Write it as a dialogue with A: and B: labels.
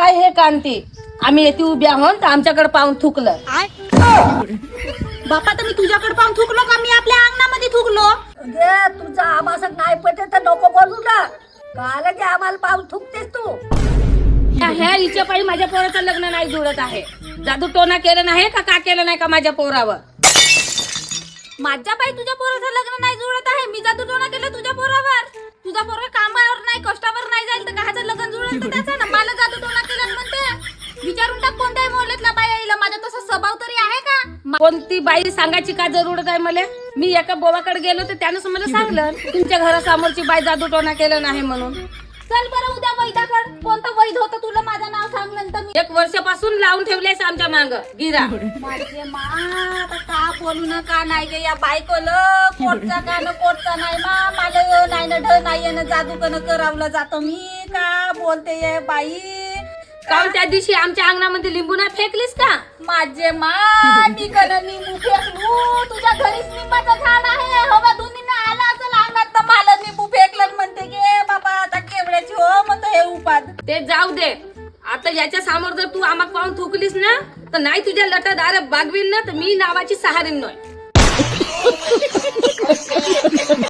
A: पाय हे कांती आम्ही येते उभ्या आहोत तर आमच्याकडे पाहून थुकलं.
B: बापा तर मी तुझ्याकडे पाहून थुकलो का? मी आपल्या अंगणामध्ये थुकलो.
C: तुझा आम्हाला नाही पटत तर नको बोलू ना. काल की आम्हाला पाहून थुकतेस तू.
A: ह्या हिच्या पायी माझ्या पोराचं लग्न नाही जुळत आहे. जादू टोना केलं नाही का केलं नाही का माझ्या पोरावर?
B: माझ्या बाई तुझ्या पोराचं लग्न नाही जुळत आहे. मी जादू टोना केलं तुझ्या पोरावर. तुझा पोरगा कामावर नाही कष्टावर नाही जाईल तर काहाचं लग्न जुळत त्याचं ना. मला जादू टोना केलं म्हणते. विचारून टाक कोणत्याही मोहल्ल्यातल्या बाई आईला माझा तसा स्वभाव तरी आहे का?
A: कोणती बाई सांगायची का जरूरत आहे मला? मी एका बोवाकडे गेलो तर त्यानं मला सांगलं तुमच्या घरासमोरची बाई जादू टोना केलं नाही म्हणून.
B: चल बरं उद्या वैदाकड. कोणतं वैध होतं तुला माझं नाव सांगल्यानंतर मी
A: 1 वर्षापासून लावून ठेवलेस आमच्या मांग गिरा.
B: माझे मा आता का बोलू ना का नाही गे या बायकोल कोटचा का न कोटचा नाही मा. मला नाही ना ढ नाही ना जादू कन करावलं जातं. मी का बोलते ये बाई.
A: काल त्या दिवशी आमच्या अंगणामध्ये लिंबू नाही फेकलीस का?
B: माझे मा मी कन निंबू फेकलू. तुझ्या घरीच निंबाचं झाड आहे. हवा दोन्हीनं आला असेल अंगात तर मला निंबू फेकलं म्हणते गे बाबा आता केवढ्याची हो म्हणतो हे उपाद.
A: ते जाऊ दे. आता याच्या समोर जर तू आम्हाला पाहून थुकलीस ना तर नाही तुझ्या लटादार बागवील ना तर मी नावाची सहारीन नाही.